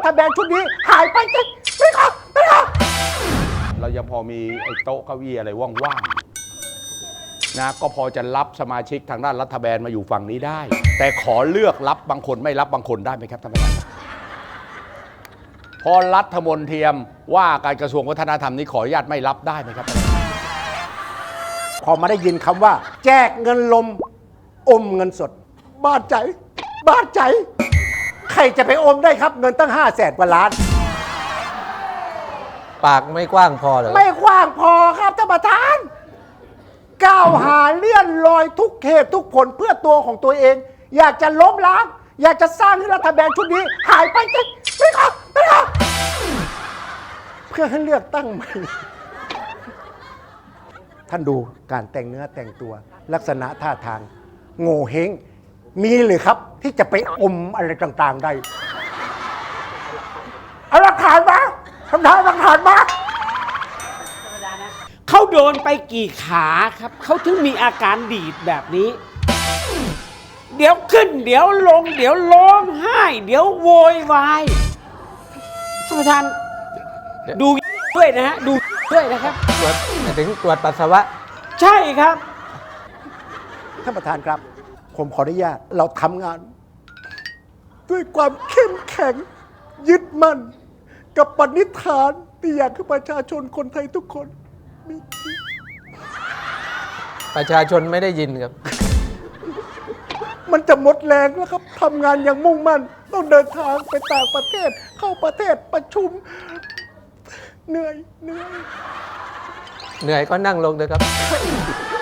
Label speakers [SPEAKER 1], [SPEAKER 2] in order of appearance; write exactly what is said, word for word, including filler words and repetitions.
[SPEAKER 1] ฐบาลชุดนี้หายไปจริงไม่ครับไม่ครับ
[SPEAKER 2] เรายังพอมีไอ้โต๊ะเก้าอี้อะไรว่างๆนะก็พอจะรับสมาชิกทางด้านรัฐบาลมาอยู่ฝั่งนี้ได้ แต่ขอเลือกรับบางคนไม่รับบางคนได้ไหมครับท่านประธานพอรัฐมนตรีว่าการกระทรวงวัฒนธรรมนี้ขออนุญาตไม่รับได้ไหมครับ
[SPEAKER 1] พอมาได้ยินคำว่าแจกเงินลมอมเงินสดบาดใจบาดใจใครจะไปอมได้ครับเงินตั้งห้าแสนกว่าล้าน
[SPEAKER 3] ปากไม่กว้างพอเหรอ
[SPEAKER 1] ไม่กว้างพอครับท่านประธานก้าวหาเลื่อนลอยทุกเหตุทุกผลเพื่อตัวของตัวเองอยากจะล้มล้างอยากจะสร้างให้รัฐบาลชุดนี้หายไปจริงไม่ครับไม่ครับเพื่อให้เลือกตั้งใหม่ท่านดูการแต่งเนื้อแต่งตัวลักษณะท่าทางโง่เฮงมีหรือครับที่จะไปอมอะไรต่างๆได้เอาหลักฐานมาทำทานหลักฐานมา
[SPEAKER 4] เขาโดนไปกี่ขาครับเขาถึงมีอาการดีดแบบนี้เดี๋ยวขึ้นเดี๋ยวลงเดี๋ยวร้องไห้เดี๋ยวโวยวายท่านประธานดูด้วยนะฮะดูด้วยนะครับ
[SPEAKER 3] ตรวจถึงตรวจปัสสาวะ
[SPEAKER 4] ใช่ครับ
[SPEAKER 1] ท่านประธานครับผมขออนุญาตเราทำงานด้วยความเข้มแข็งยึดมั่นกับปณิธานที่อยากให้ประชาชนคนไทยทุกคนมี
[SPEAKER 3] ประชาชนไม่ได้ยินครับ
[SPEAKER 1] มันจะหมดแรงแล้วครับทำงานอย่างมุ่งมั่นต้องเดินทางไปต่างประเทศเข้าประเทศประชุมเหนื่อยเหนื่อย
[SPEAKER 3] เหนื่อยก็นั่งลงเลยครับ